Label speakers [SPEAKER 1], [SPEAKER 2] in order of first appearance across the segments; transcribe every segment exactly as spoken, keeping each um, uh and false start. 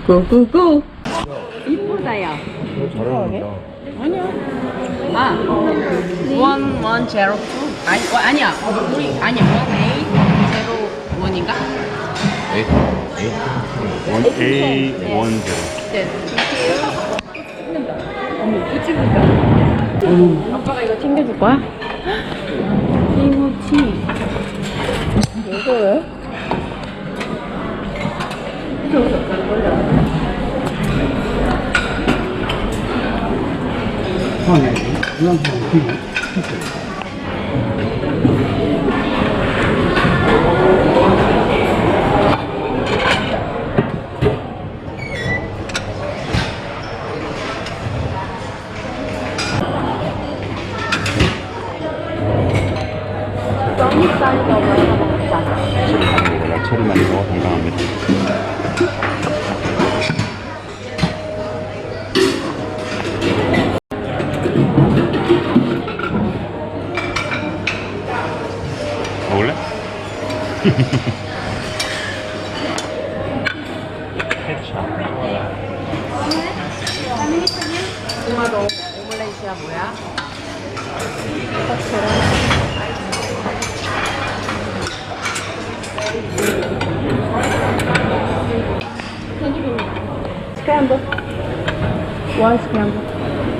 [SPEAKER 1] 고고고. 이쁘다 야.
[SPEAKER 2] 잘 어울린다.
[SPEAKER 1] 아니야. 아, one one zero two. 아니, 어, 아니야. 우리 아니야. one eight zero one인가?
[SPEAKER 2] 에잇, 에잇. 원 에이 원 제로.
[SPEAKER 1] 네. 어머, 이쪽이다. 아빠가 이거 챙겨줄 거야? 김치. 이거요?
[SPEAKER 2] 야채를 많이 먹어 건강합니다. 먹을래?
[SPEAKER 1] 토마토 오믈렛이야 뭐야? 스크램블. 원 스크램블.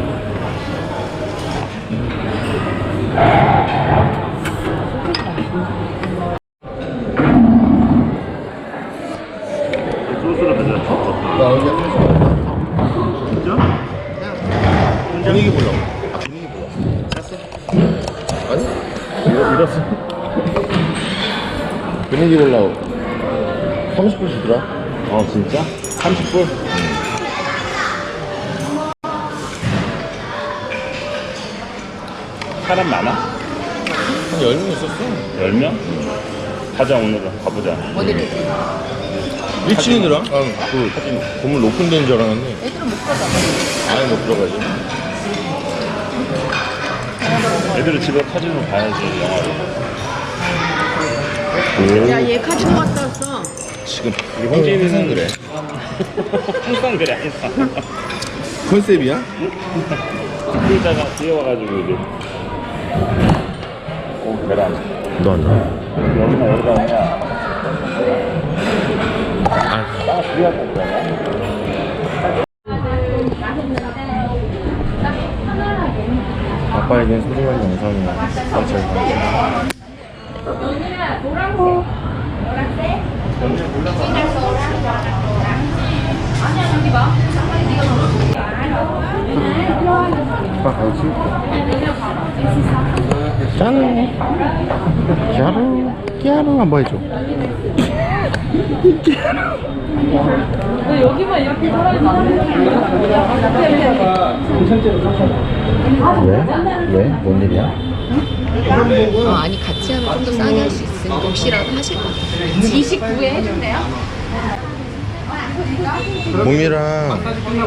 [SPEAKER 2] 소스를 맨날 쳤어.
[SPEAKER 3] 나 여기
[SPEAKER 2] 진짜?
[SPEAKER 3] 분위기 보려고. 아, 분위기 보려고. 샀어? 아니?
[SPEAKER 2] 잃었어.
[SPEAKER 3] 분위기 보려고. 삼십 불 주더라.
[SPEAKER 2] 어 진짜? 삼십 불? 사람 많아?
[SPEAKER 3] 한 열 명 있었어.
[SPEAKER 2] 열 명? 가자 오늘은 가보자.
[SPEAKER 1] 어디를?
[SPEAKER 3] 일 층이더라? 아, 그, 건물 높은 데인 줄 알았는데.
[SPEAKER 1] 애들은 못 가잖아.
[SPEAKER 3] 안에 못 들어가지.
[SPEAKER 2] 애들은 집에 카지노 가야지 영화로.
[SPEAKER 1] 야, 얘 카지노 갔다 왔어.
[SPEAKER 3] 지금,
[SPEAKER 2] 우리 홍진이는
[SPEAKER 3] 항상 그래.
[SPEAKER 2] 항상 그래 항상.
[SPEAKER 3] 컨셉이야?
[SPEAKER 2] 그러다가 뒤에 와가지고 이제 오 계란.
[SPEAKER 3] 너 안 나.
[SPEAKER 2] 여기나 여기다 그냥 아 뒤에 왔다 그러냐?
[SPEAKER 3] 아빠에겐 소중한 영상이야. 잘 봐. 아빠 가야지. 짠! 끼아루, 끼아루 한번 해줘.
[SPEAKER 1] 왜 여기만 이렇게 사람이
[SPEAKER 3] 왜? 왜? 뭔 일이야?
[SPEAKER 4] 어, 아니 같이 하면 좀 더 싸게 할 수 있으니까 혹시라도 하실 것 같아요.
[SPEAKER 1] 이십구에 해준대요?
[SPEAKER 3] 봄이랑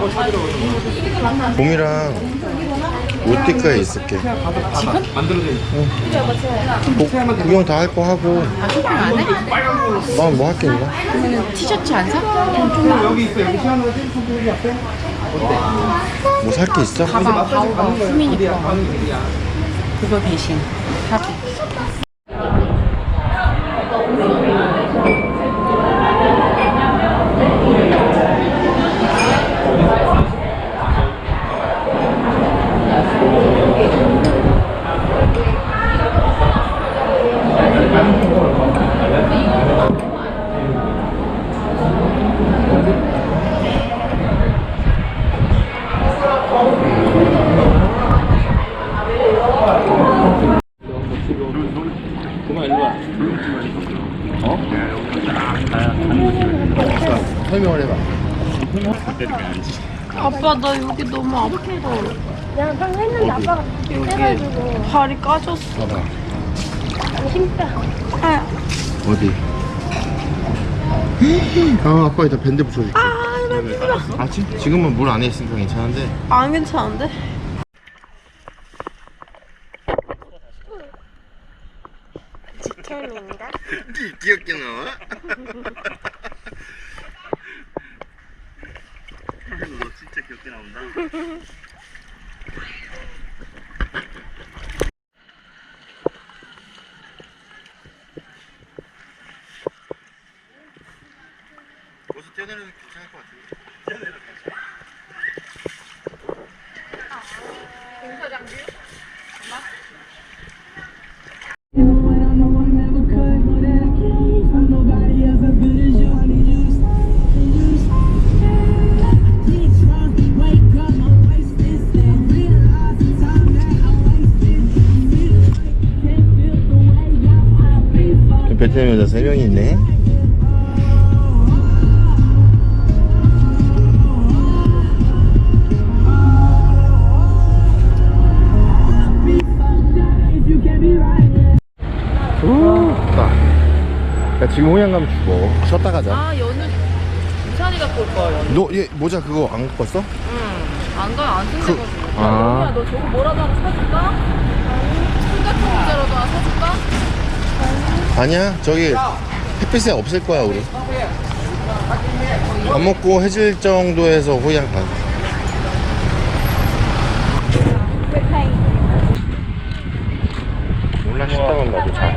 [SPEAKER 3] 봄이랑 롯데가에 있을게. 지금? 응. 구경 다 할 거 하고.
[SPEAKER 4] 아 쇼핑 안 해?
[SPEAKER 3] 난 뭐 할게 있나?
[SPEAKER 4] 그러면 티셔츠 안 사?
[SPEAKER 3] 뭐 살 게 있어?
[SPEAKER 4] 가방 가오가 수민이 거 그거 대신 사고.
[SPEAKER 3] 그만 일로 와. 어? 설명을 해봐.
[SPEAKER 2] 때리면 아니지.
[SPEAKER 1] 아빠 나 여기 너무 아파.
[SPEAKER 5] 내가 방금 했는데 아빠가 해가지고
[SPEAKER 1] 발이 까졌어.
[SPEAKER 3] 봐봐.
[SPEAKER 5] 힘빼.
[SPEAKER 1] 아,
[SPEAKER 3] 어디? 아, 아빠 이따 밴드 붙여줄게.
[SPEAKER 1] 아, 나 힘들어.
[SPEAKER 3] 아, 지, 지금은 물 안에 있으니까 괜찮은데.
[SPEAKER 1] 안 괜찮은데?
[SPEAKER 5] 직캠입니다.
[SPEAKER 3] 귀엽게 나와.
[SPEAKER 2] 귀엽게 나온다.
[SPEAKER 3] 벌써 떼내는 괜찮을 것 같은데. 베트남 여자 세 명이 있네. 야, 지금 호양 가면 죽어. 쉬었다 가자.
[SPEAKER 1] 아 연우 이찬이 갖고 올 거야. 연우.
[SPEAKER 3] 너 얘 모자 그거 안 갖고 왔어?
[SPEAKER 1] 응. 안 가요. 안 쓴다고.
[SPEAKER 3] 아.
[SPEAKER 1] 연우야 너 저거 뭐라도 하나 사줄까? 술 같은 모자라도 하나 사줄까?
[SPEAKER 3] 아니야, 저기 햇빛에 없을 거야 우리. 밥 먹고 해질 정도에서 호양 가. 몰라, 식당은 나도 자.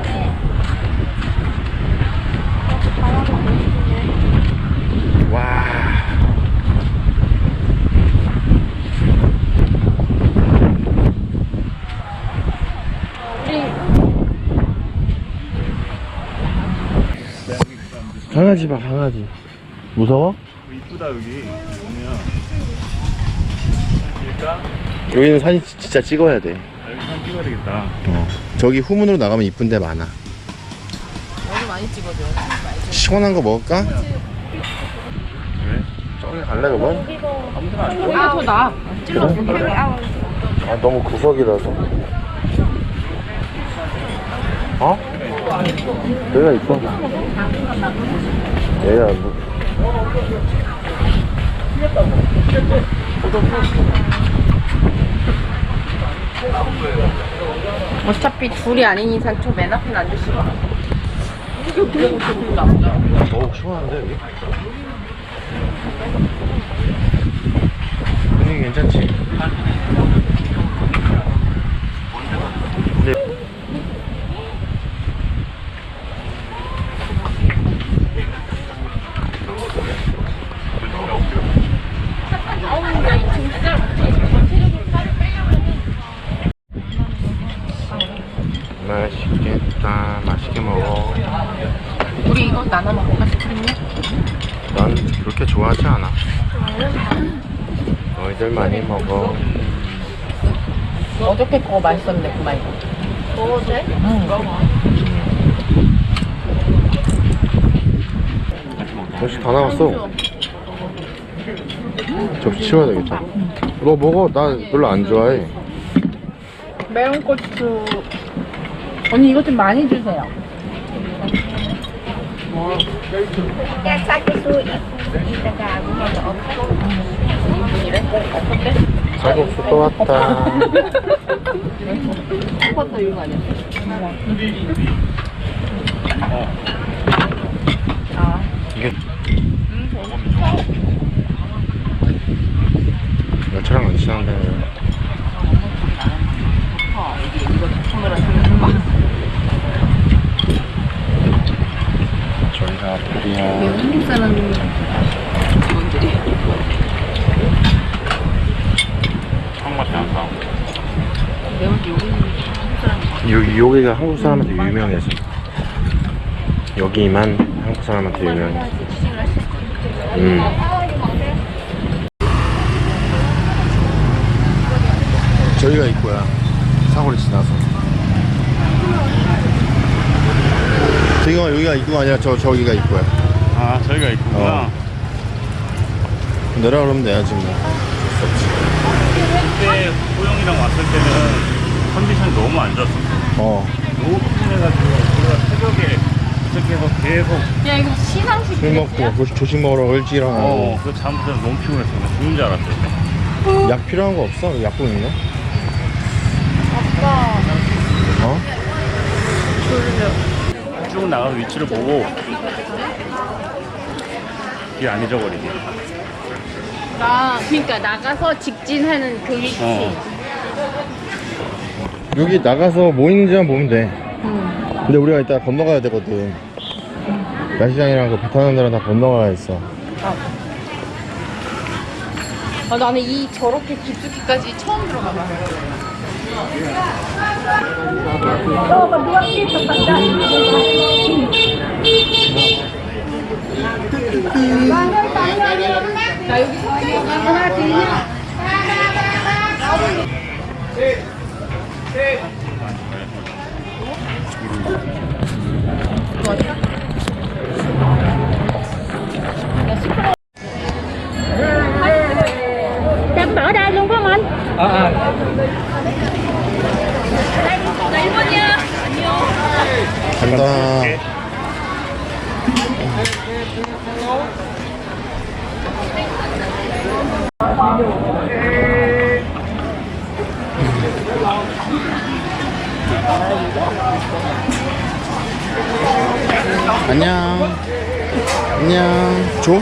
[SPEAKER 3] 와. 강아지 봐, 강아지. 무서워?
[SPEAKER 2] 이쁘다 여기. 뭐냐? 그러니까
[SPEAKER 3] 여기는 사진 지- 진짜 찍어야 돼.
[SPEAKER 2] 여기 사진 찍어야 되겠다.
[SPEAKER 3] 어. 저기 후문으로 나가면 이쁜 데 많아.
[SPEAKER 1] 연우 많이 찍어줘.
[SPEAKER 3] 시원한 거 먹을까?
[SPEAKER 2] 왜?
[SPEAKER 3] 저기 갈래 그러면?
[SPEAKER 2] 아무데나 안
[SPEAKER 1] 여기가 더 나아. 찔러.
[SPEAKER 3] 그래? 아, 너무 구석이라서. 어? 여기가 있어. 얘야 뭐.
[SPEAKER 1] 어차피 둘이 아닌 이상 저 맨 앞에 앉으시고. 이게 그리고 조금 나.
[SPEAKER 3] 어우, 시원한데 여기? 분위기 괜찮지? 근데 맛있겠다. 맛있게 먹어.
[SPEAKER 1] 우리 이거 나눠 먹을까? 스크림요?
[SPEAKER 3] 난 그렇게 좋아하지 않아. 너희들 많이 먹어.
[SPEAKER 1] 어저께 그거 맛있었는데 그 말고.
[SPEAKER 5] 먹어도 돼?
[SPEAKER 3] 접시 다 나왔어. 접시 치워야 되겠다. 너 먹어. 나 별로 안 좋아해.
[SPEAKER 1] 매운 고추. 언니 이거 좀 많이 주세요.
[SPEAKER 5] 야, 작게 수 이따가 아무것도
[SPEAKER 1] 이래? 어때?
[SPEAKER 3] 쌀국수 또 왔다.
[SPEAKER 1] 스쿼터 이거 아니야? 아.
[SPEAKER 3] 이게 야채랑 안 친한데.
[SPEAKER 1] 어, 이거 손으로 잡는 거.
[SPEAKER 3] 저희가 불이야.
[SPEAKER 1] 한국 사람 직원들이.
[SPEAKER 2] 처음 맛이 안 나.
[SPEAKER 1] 내가 볼때 여기는 한국 사람이.
[SPEAKER 3] 여기 여기가 한국 사람한테 유명해서. 여기만 한국 사람한테 유명해. 음. 저희가 입구야. 사거리 지나서. 저기가 여기가 입구가 아니라 저 저기가 입구야.
[SPEAKER 2] 아 저희가 있구나.
[SPEAKER 3] 어. 내려 그러면 돼야지 뭐.
[SPEAKER 2] 그때 호영이랑 왔을 때는 컨디션이 너무 안 좋았어.
[SPEAKER 3] 어.
[SPEAKER 2] 너무 피곤해가지고 우리가 새벽에 도착해서 계속
[SPEAKER 1] 야 이거 시상식.
[SPEAKER 3] 술 먹고 조식, 조식 먹으러 일찍 일어나고.
[SPEAKER 2] 어, 그 잠부터 너무 피곤했어. 나 죽는 줄 알았어.
[SPEAKER 3] 약 필요한 거 없어? 약국 있나?
[SPEAKER 1] 아빠.
[SPEAKER 3] 어?
[SPEAKER 2] 쭉 나가서 위치를 보고 길 안 잊어버리게.
[SPEAKER 1] 나가 그러니까 나가서 직진하는 그 위치.
[SPEAKER 2] 어.
[SPEAKER 3] 여기 나가서 뭐 있는지만 보면 돼. 근데 우리가 이따 건너가야 되거든. 야시장이랑 그 배 타는 데랑 다 건너가야 했어.
[SPEAKER 1] 아, 나는 이 저렇게 깊숙이까지 처음 들어가봐. 나 여기서 하나 드리냐?
[SPEAKER 5] Đặt ở đây luôn phải không anh?
[SPEAKER 1] 나 일본이야. 안녕.
[SPEAKER 3] 간다. 안녕. 안녕. 줘?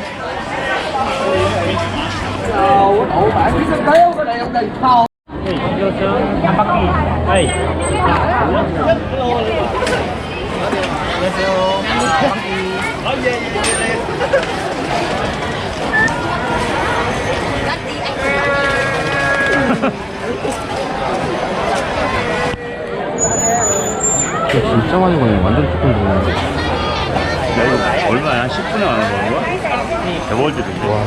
[SPEAKER 3] 진짜 많이 거네. 완전 조금 보네.
[SPEAKER 2] 야, 이거 얼마야? 십 분에 안 하는 거야? 대박일 텐데.
[SPEAKER 3] 와.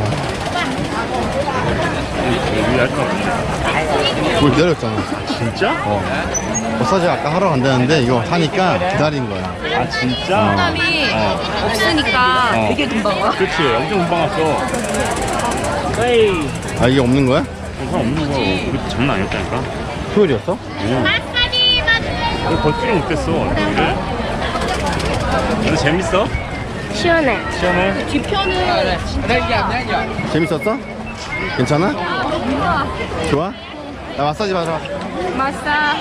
[SPEAKER 2] 우리 할 수가 없네.
[SPEAKER 3] 그걸 기다렸잖아.
[SPEAKER 2] 진짜?
[SPEAKER 3] 어. 마사지 아까 하러 간다는데 이거 사니까 기다린 거야.
[SPEAKER 2] 아, 진짜?
[SPEAKER 1] 사람이
[SPEAKER 2] 어.
[SPEAKER 1] 없으니까
[SPEAKER 2] 어.
[SPEAKER 1] 되게 금방 와.
[SPEAKER 2] 그렇지. 엄청 금방 왔어. 에이.
[SPEAKER 3] 아, 이게 없는 거야?
[SPEAKER 2] 사람 없는 거야. 그것도 장난 아니었다니까.
[SPEAKER 3] 토요일이었어?
[SPEAKER 2] 오. 이거 걷지를 못했어. 여기를. 근데 재밌어?
[SPEAKER 5] 시원해.
[SPEAKER 2] 시원해?
[SPEAKER 1] 뒤편은
[SPEAKER 3] 재밌었어? 괜찮아? 좋아? 나 마사지 받으러 와.
[SPEAKER 1] 마사.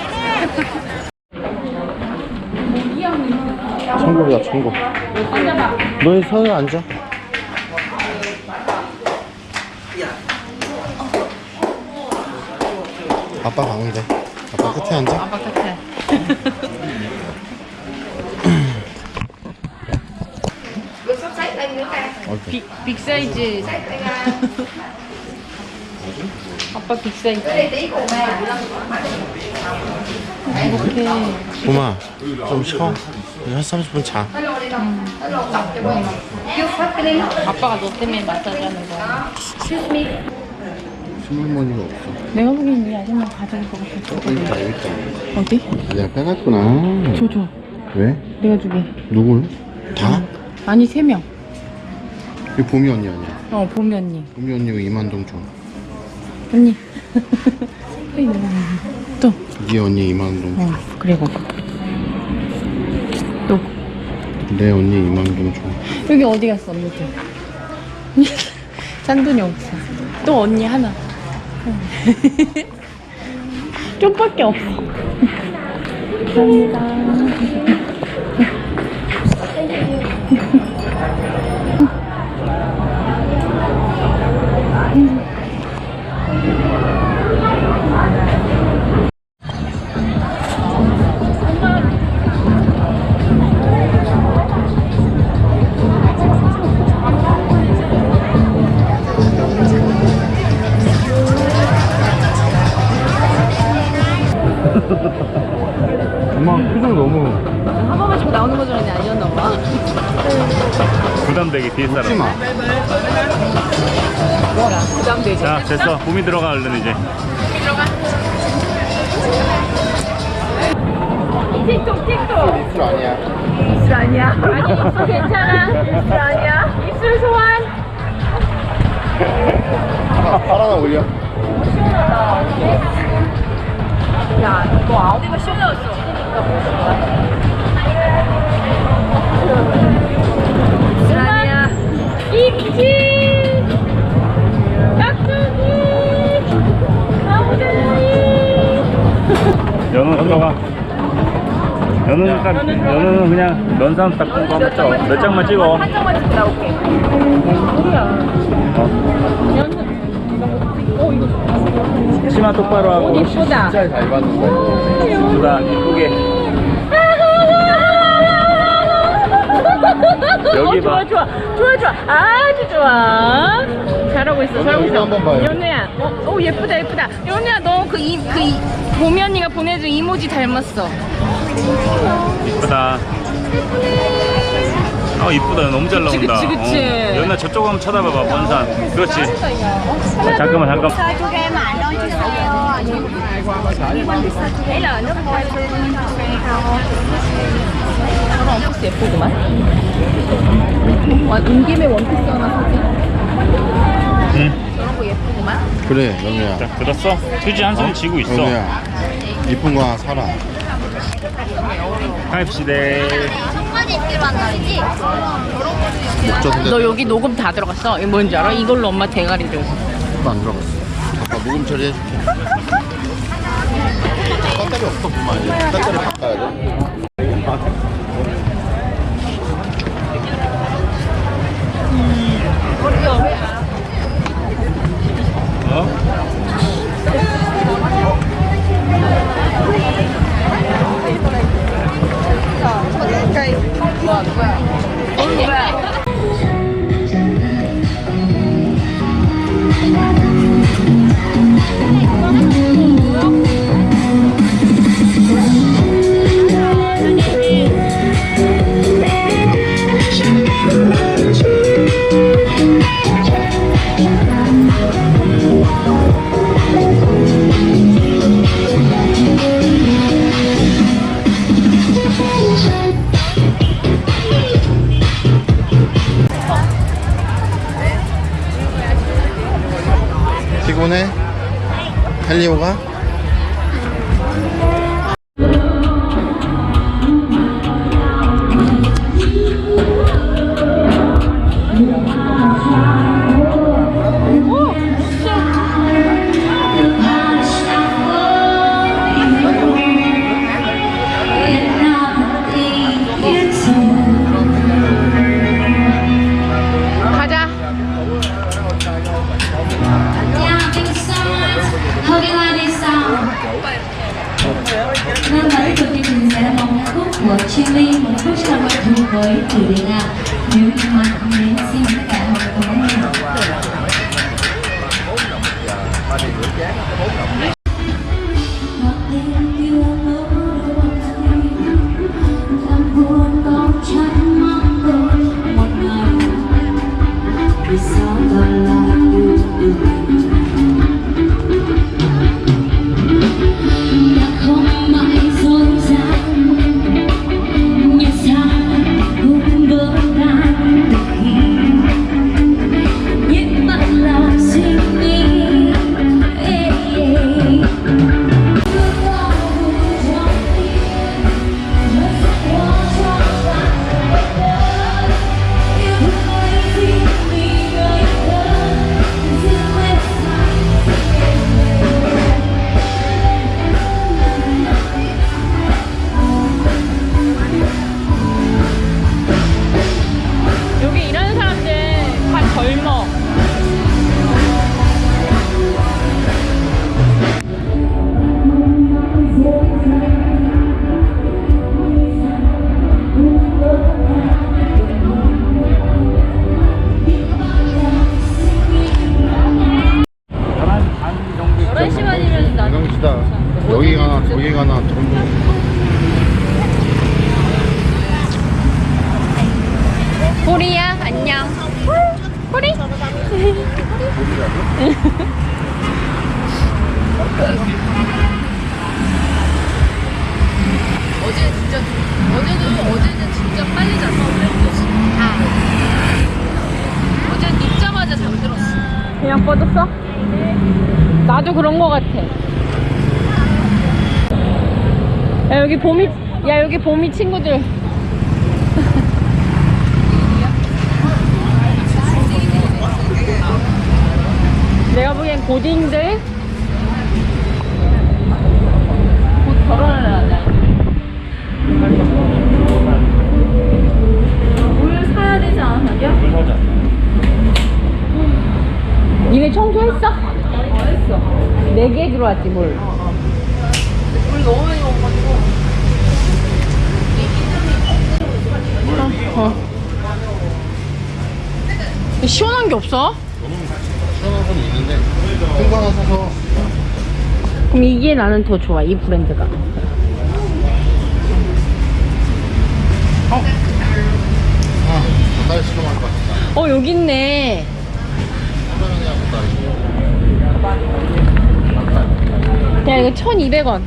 [SPEAKER 3] 천국이다, 천국. 너희 서에 앉아. 아빠 가운데. 아빠 끝에 앉아.
[SPEAKER 1] 아빠 같아. 빅, 빅 사이즈. 아빠 빅 사이즈. 이렇게.
[SPEAKER 3] 봄아, 좀 쉬어. 한 삼십 분 자.
[SPEAKER 1] 아빠가 너 때문에 마사지 하는 거야.
[SPEAKER 3] 신문머니가 없어.
[SPEAKER 1] 내가 보기엔 이 아줌마 가져올 것 같아.
[SPEAKER 3] 여기 있다, 여기 있다.
[SPEAKER 1] 어디?
[SPEAKER 3] 내가 빼갔구나.
[SPEAKER 1] 줘, 줘.
[SPEAKER 3] 왜?
[SPEAKER 1] 내가 주게.
[SPEAKER 3] 누굴? 다?
[SPEAKER 1] 아니, 세 명.
[SPEAKER 3] 이 봄이 언니 아니야?
[SPEAKER 1] 어, 봄이 언니.
[SPEAKER 3] 봄이 언니가 이만동 줘.
[SPEAKER 1] 언니. 또.
[SPEAKER 3] 네 언니 이만동 줘.
[SPEAKER 1] 어, 그리고. 또.
[SPEAKER 3] 내 언니 이만동 줘.
[SPEAKER 1] 여기 어디 갔어, 언니들? 짠돈이 없어. 또 언니 하나. 좀밖에 없어. 감사합니다.
[SPEAKER 3] 엄마 표정 너무
[SPEAKER 1] 한 번만 씩 나오는 거 줄 알았는데 아니었나 봐.
[SPEAKER 2] 부담되게 뒤에 사람.
[SPEAKER 3] 웃지 마.
[SPEAKER 1] 부담되지.
[SPEAKER 2] 자, 됐어. 봄이 들어가, 얼른 이제.
[SPEAKER 5] 틱톡 틱톡.
[SPEAKER 3] 입술 아니야.
[SPEAKER 5] 입술 아니야. 아니 입술 괜찮아. 입술 아니야. 입술 소환.
[SPEAKER 3] 하나, 하나 올려.
[SPEAKER 5] 야 이거 아우디가 시원해졌어. 입술 아니야. 입지. 깍두기. 아우디.
[SPEAKER 2] 연어 들어가. 연어는 딱, 연어는 그냥 면삼 딱 본 거 한번 찍어. 몇 장만 찍어.
[SPEAKER 5] 한 장만 찍고 나올게. 뭔 소리야.
[SPEAKER 2] 어. 똑바로 하고.
[SPEAKER 1] 옷 이쁘다.
[SPEAKER 3] 진짜 잘 받는다 이거.
[SPEAKER 2] 이쁘다, 이쁘게. 여기
[SPEAKER 1] 어,
[SPEAKER 2] 봐.
[SPEAKER 1] 좋아, 좋아, 좋아, 좋아. 아주 좋아. 잘하고 있어, 잘하고
[SPEAKER 3] 여기
[SPEAKER 1] 있어.
[SPEAKER 3] 한번 봐요.
[SPEAKER 1] 연우야, 어, 어 예쁘다, 예쁘다. 연우야, 너 그 이, 그 이, 보미 언니가 보내준 이모지 닮았어.
[SPEAKER 2] 이쁘다. 아 이쁘다. 너무 잘
[SPEAKER 1] 그치,
[SPEAKER 2] 나온다.
[SPEAKER 1] 그치, 그치.
[SPEAKER 2] 어. 연아 저쪽 한번 쳐다봐봐. 원산. 그렇지. 자, 잠깐만 잠깐만.
[SPEAKER 1] 저런 원피스 예쁘구만. 와, 온 김에 원피스 하나 사자.
[SPEAKER 2] 응.
[SPEAKER 1] 저런 거 예쁘구만.
[SPEAKER 3] 그래 연우야.
[SPEAKER 2] 자 들었어? 휴지 한 손 쥐고 있어.
[SPEAKER 3] 연우야 이쁜 거 하나 사라.
[SPEAKER 2] 가입시대.
[SPEAKER 3] 목젖 근데
[SPEAKER 1] 너 여기 녹음 다 들어갔어? 이거 뭔지 알아? 이걸로 엄마 대가리를.
[SPEAKER 3] 안 들어갔어. 잠깐 녹음 처리해줄게. 배터리 없어 보면 이제 배터리 바꿔야 돼.
[SPEAKER 2] 어?
[SPEAKER 3] 피곤해? 헬리오가?
[SPEAKER 1] 가자.
[SPEAKER 6] Vâng, và tiếp tục chương trình sẽ là một ca khúc của Chillies, một khúc rất là quen thuộc với chủ đề là Nếu như mà không đến. Xin mời tất cả mọi người cùng nghe.
[SPEAKER 1] 여기 일하는 사람들 다 젊어.
[SPEAKER 2] 반 정도.
[SPEAKER 1] 열한 시간이면 나.
[SPEAKER 3] 건강지다. 여기 가나 저기 가나 전부.
[SPEAKER 1] 보리야, 안녕. 보리.
[SPEAKER 4] 어제 진짜 어제는 어제는 진짜 빨리 잤어. 아. 어제 눕자마자 잠들었어.
[SPEAKER 1] 그냥 뻗었어? 나도 그런 거 같아. 야, 여기 보미, 야, 여기 보미 친구들. 내가 보기엔 고딩들 곧 결혼을 하자. 물 사야 되지 않아, 자기야?
[SPEAKER 2] 물 사자.
[SPEAKER 1] 니네 청소했어? 네 개 들어왔지 뭘.
[SPEAKER 4] 우리 너무 많이 먹어가지고.
[SPEAKER 1] 어. 시원한 게 없어?
[SPEAKER 3] 시원한 건 있는데 큰 거 하나 사서.
[SPEAKER 1] 그럼 이게 나는 더 좋아, 이 브랜드가.
[SPEAKER 3] 아, 닭다리 시켜먹을 것 같다.
[SPEAKER 1] 어, 여기 있네.
[SPEAKER 3] 사장이랑 닭다리.
[SPEAKER 1] 야, 이거 천이백 원.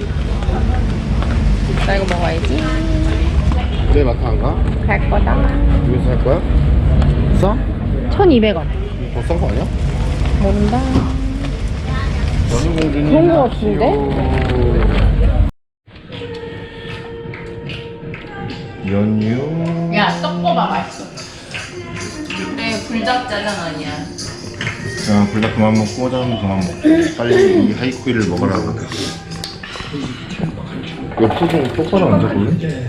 [SPEAKER 1] 나 이거 먹어야지.
[SPEAKER 3] 내 마트 안 가?
[SPEAKER 1] 갈 거다.
[SPEAKER 3] 여기서 살 거야? 싸?
[SPEAKER 1] 천이백 원.
[SPEAKER 3] 더 싼 거 아니야?
[SPEAKER 1] 모른다.
[SPEAKER 3] 연희공주님
[SPEAKER 1] 그런 거 같은데?
[SPEAKER 3] 연유.
[SPEAKER 4] 야, 섞어봐, 맛있어. 근데 불닭 짜장 아니야.
[SPEAKER 3] 야, 불닭 그만 먹고 짜장 그만 먹고 빨리 이 하이쿠이를 먹으라고. 옆소 좀 똑바로 앉아볼래?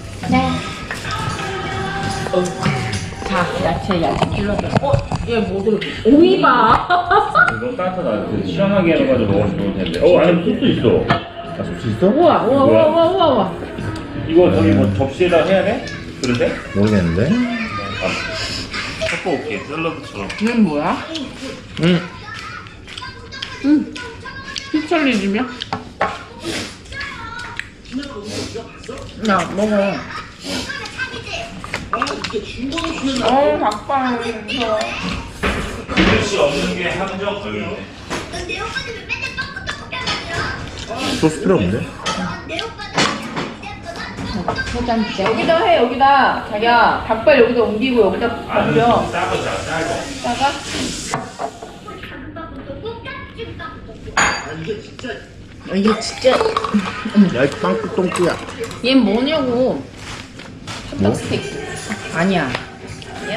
[SPEAKER 1] 자, 야채, 야채 찔러줘. 어? 얘 뭐 들어? 오이바.
[SPEAKER 2] 너무 따뜻하다. 시원하게 해가지고 먹으면 좋을 텐데. 어, 안에 소스 있어.
[SPEAKER 3] 아, 소스 있어?
[SPEAKER 1] 우와, 우와, 우와, 우와, 우와, 우와.
[SPEAKER 2] 이거 저기 뭐 접시에다 해야 돼? 그런데?
[SPEAKER 3] 모르겠는데?
[SPEAKER 2] 섞어올게. 샐러드처럼.
[SPEAKER 1] 얘는 뭐야?
[SPEAKER 3] 응.
[SPEAKER 1] 응. 피철리즘이야? 야, 먹어. 어, 닭발.
[SPEAKER 2] 그릇이 없는 게 함정 걸리네.
[SPEAKER 3] 소스 필요 없는데?
[SPEAKER 4] 여기다 해, 여기다. 자기야, 닭발 여기다 옮기고 여기다 옮겨.
[SPEAKER 2] 짜고 짜, 짜고.
[SPEAKER 4] 짜가?
[SPEAKER 1] 이게 진짜.
[SPEAKER 3] 야, 이 빵꾸 똥꾸야.
[SPEAKER 1] 얘 뭐냐고.
[SPEAKER 3] 뭐?
[SPEAKER 4] 스테이크.
[SPEAKER 1] 아니야.
[SPEAKER 4] 아니야?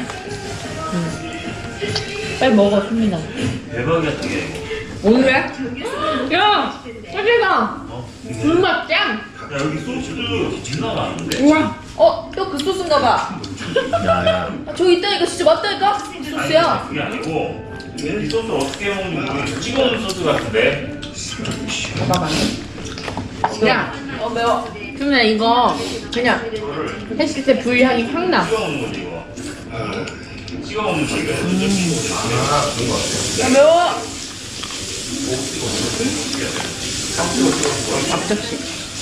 [SPEAKER 1] 빨리 먹어, 수민아.
[SPEAKER 2] 대박이야, 되게.
[SPEAKER 1] 오늘 왜? 야! 소리가! 불맛 짱!
[SPEAKER 2] 야, 여기 소스도 진짜 많은데.
[SPEAKER 1] 우와!
[SPEAKER 4] 어, 또 그 소스인가 봐.
[SPEAKER 3] 야, 야.
[SPEAKER 4] 아, 저기 있다니까, 진짜 맞다니까? 이 소스야.
[SPEAKER 2] 그게 아니고, 이 소스 어떻게 먹는지 모르겠어. 찍어놓은 소스 같은데.
[SPEAKER 1] 봐봐. 야!
[SPEAKER 4] 어, 매워.
[SPEAKER 1] 수민아, 이거 그냥 했을 때 불향이 확 나.
[SPEAKER 2] 찍어먹는 거지, 이거. 찍어 먹는 거, 이거.
[SPEAKER 4] 야, 매워.
[SPEAKER 1] 앞접시.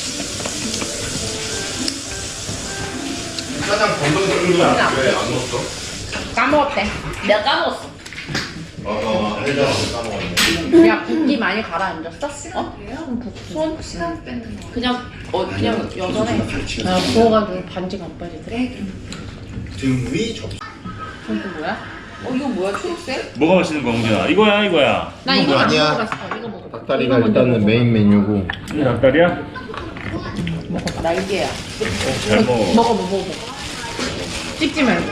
[SPEAKER 3] 짜장 건더기가 왜안 넣었어?
[SPEAKER 1] 까먹었대.
[SPEAKER 4] 내가 까먹었어.
[SPEAKER 3] 어, 해장 까먹었네.
[SPEAKER 1] 야, 붓기 많이 가라앉았어? 어?
[SPEAKER 4] 손 시간 뺏는 거. 그냥, 어, 그냥 여전해.
[SPEAKER 1] 나 부어가지고 반지가 안 빠지더래.
[SPEAKER 3] 등위 접시.
[SPEAKER 1] 이거 뭐야?
[SPEAKER 4] 어, 이거 뭐야, 초록색?
[SPEAKER 2] 뭐가 맛있는 거, 홍진아? 이거야, 이거야.
[SPEAKER 1] 나 이거 안
[SPEAKER 3] 아니야.
[SPEAKER 1] 먹어봤어. 이거 먹어.
[SPEAKER 3] 닭다리가 일단은 메인 메뉴고.
[SPEAKER 2] 이게 닭다리야?
[SPEAKER 1] 먹어. 날개야.
[SPEAKER 2] 잘 먹어.
[SPEAKER 1] 먹어, 먹어, 먹어. 찍지 말고.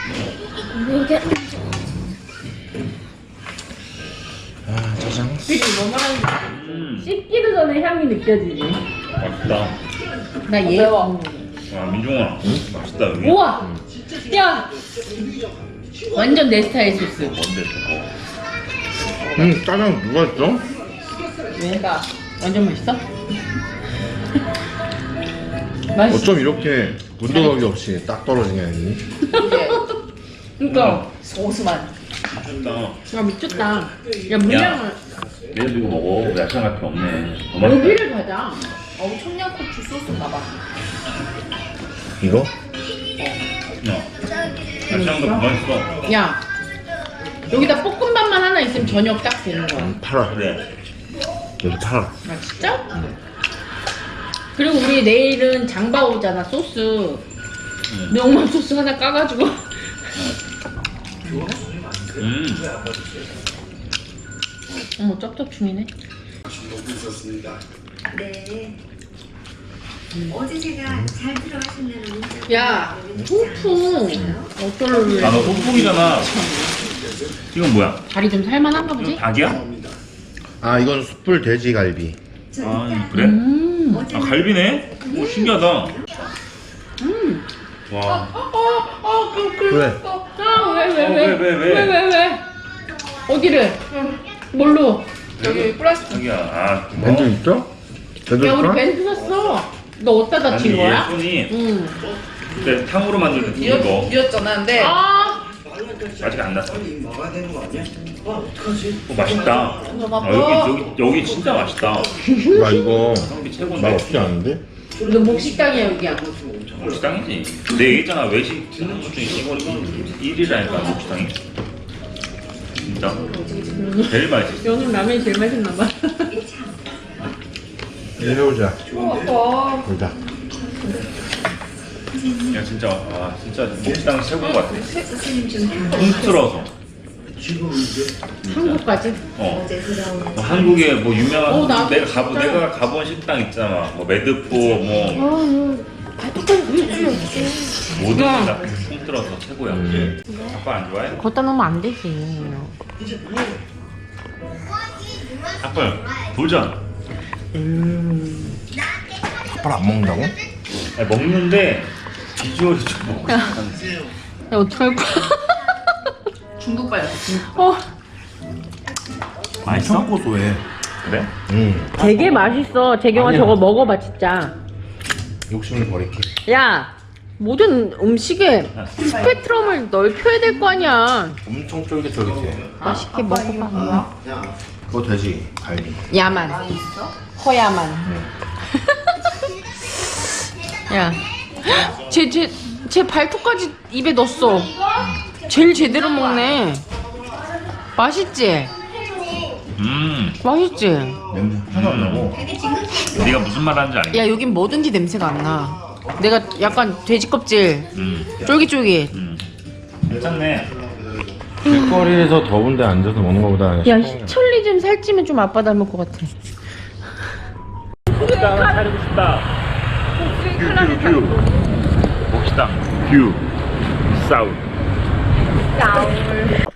[SPEAKER 3] 아, 짜장.
[SPEAKER 1] 그치, 뭐 말하는지.
[SPEAKER 2] 음,
[SPEAKER 1] 씹기도 전에 향이 느껴지지.
[SPEAKER 2] 맛있다.
[SPEAKER 1] 나 얘.
[SPEAKER 4] 매워.
[SPEAKER 2] 아, 민종아. 맛있다, 여기.
[SPEAKER 1] 우와! 야! 완전 내 스타일 소스.
[SPEAKER 2] 뭔데, 저거?
[SPEAKER 3] 음, 짜장 누가 했어?
[SPEAKER 4] 내가.
[SPEAKER 1] 완전 맛있어? 맛있어.
[SPEAKER 3] 어쩜 이렇게 군더더기 없이 딱 떨어지냐, 니?
[SPEAKER 4] 이게
[SPEAKER 1] 그니까.
[SPEAKER 4] 소스만.
[SPEAKER 2] 맛있다.
[SPEAKER 1] 야, 미쳤다. 야, 물량을.
[SPEAKER 2] 얘도 이거 먹어. 야채 같은 게 없네. 더 맛있다.
[SPEAKER 1] 여기를 가자.
[SPEAKER 4] 어, 청양고추 소스인가 봐.
[SPEAKER 3] 이거?
[SPEAKER 2] 야, 야채랑도 더 맛있어.
[SPEAKER 1] 야, 여기다 볶음밥만 하나 있으면 저녁 딱 되는 거야.
[SPEAKER 3] 음, 팔아.
[SPEAKER 2] 그래.
[SPEAKER 3] 여기 팔아.
[SPEAKER 1] 아, 진짜? 그리고 우리 내일은 장바 오잖아, 소스.
[SPEAKER 2] 응.
[SPEAKER 1] 명란 소스 하나 까가지고.
[SPEAKER 2] 음.
[SPEAKER 1] 어머, 쩝쩝충이네.
[SPEAKER 7] 네. 어제 제가 잘 들어가신다는 문자.
[SPEAKER 1] 야, 통풍. 어떨래?
[SPEAKER 2] 아, 너 똥풍이잖아. 이건 뭐야?
[SPEAKER 1] 다리 좀 살만한가
[SPEAKER 2] 이거
[SPEAKER 1] 보지?
[SPEAKER 2] 닭이야?
[SPEAKER 3] 아, 이건 숯불 돼지 갈비.
[SPEAKER 2] 아, 그래?
[SPEAKER 1] 음.
[SPEAKER 2] 아, 갈비네? 오, 신기하다.
[SPEAKER 1] 음.
[SPEAKER 2] 와.
[SPEAKER 3] 왜?
[SPEAKER 1] 아, 왜, 왜,
[SPEAKER 2] 어,
[SPEAKER 1] 왜?
[SPEAKER 2] 왜, 왜, 왜?
[SPEAKER 1] 왜, 왜, 왜? 어디를? 뭘로? 여기 플라스틱.
[SPEAKER 2] 자기야, 아, 그거?
[SPEAKER 3] 밴드 있어? 밴드
[SPEAKER 1] 야 우리
[SPEAKER 3] 있어?
[SPEAKER 1] 밴드 샀어. 너 어디다 다친
[SPEAKER 2] 아니,
[SPEAKER 1] 거야?
[SPEAKER 2] 예쁜이
[SPEAKER 1] 응.
[SPEAKER 2] 그때 탕후루 만들 때 이거
[SPEAKER 1] 미웠잖아. 근데 아
[SPEAKER 2] 아직 안 났어. 어, 맛있다.
[SPEAKER 1] 너무
[SPEAKER 2] 아, 여기, 여기, 여기 진짜 맛있다.
[SPEAKER 3] 나 이거
[SPEAKER 2] 성비
[SPEAKER 3] 맛
[SPEAKER 2] 최고인데.
[SPEAKER 3] 없지 않은데?
[SPEAKER 1] 너 목식당이야 여기야.
[SPEAKER 2] 목식당이지. 내가 얘기했잖아. 외식 듣는 것 중에 이거 일 위라니까, 목식당이. 진짜. 제일 맛있어.
[SPEAKER 1] 오늘 라면이 제일 맛있나 봐.
[SPEAKER 3] 이제 해보자.
[SPEAKER 1] 어,
[SPEAKER 3] 보자.
[SPEAKER 2] 야, 진짜, 아, 진짜 목식당 최고인 것 같아. 통틀어서.
[SPEAKER 1] 한국까지?
[SPEAKER 2] 어. 뭐 한국에 뭐 유명한
[SPEAKER 1] 어, 나도
[SPEAKER 2] 내가 가본
[SPEAKER 1] 진짜.
[SPEAKER 2] 내가 가본 식당 있잖아. 뭐 매드포 뭐 모든
[SPEAKER 1] 야.
[SPEAKER 2] 다 통틀어서 최고야. 아빠 안 좋아해?
[SPEAKER 1] 걷다 놓으면 안 되지.
[SPEAKER 2] 아빠 도전.
[SPEAKER 3] 아빠를 안 먹는다고?
[SPEAKER 2] 아니, 먹는데 비주얼이 좀 먹고 싶은데.
[SPEAKER 1] 야 어떡할 거야? 중독 받았어. 어.
[SPEAKER 2] 맛있어?
[SPEAKER 3] 고소해.
[SPEAKER 2] 그래?
[SPEAKER 3] 응.
[SPEAKER 1] 되게 맛있어. 재경아
[SPEAKER 3] 아니야.
[SPEAKER 1] 저거 먹어봐 진짜.
[SPEAKER 3] 욕심을 버릴게.
[SPEAKER 1] 야 모든 음식에 스펙트럼을 넓혀야 될 거 아니야.
[SPEAKER 3] 엄청 쫄깃쫄깃해.
[SPEAKER 1] 맛있게 먹어봐.
[SPEAKER 3] 그거 돼지 갈비.
[SPEAKER 1] 야만. 허야만. 야, 제 제 제 발톱까지 입에 넣었어. 제일 제대로 먹네. 맛있지?
[SPEAKER 2] 음.
[SPEAKER 1] 맛있지?
[SPEAKER 3] 냄새 하나도 안 나고.
[SPEAKER 2] 네가 무슨 말 하는지 알겠어.
[SPEAKER 1] 야 여긴 뭐든지 냄새가 안 나. 내가 약간 돼지 껍질
[SPEAKER 2] 음.
[SPEAKER 1] 쫄깃쫄깃.
[SPEAKER 2] 음. 괜찮네.
[SPEAKER 3] 길거리에서 더운데 앉아서 먹는 거보다
[SPEAKER 1] 야 희철리 좀 살찌면 좀 아빠 닮을 것 같아.
[SPEAKER 2] 목식당 하나 차리고 싶다. 큐, 큐, 큐. 목식당 큐 사우.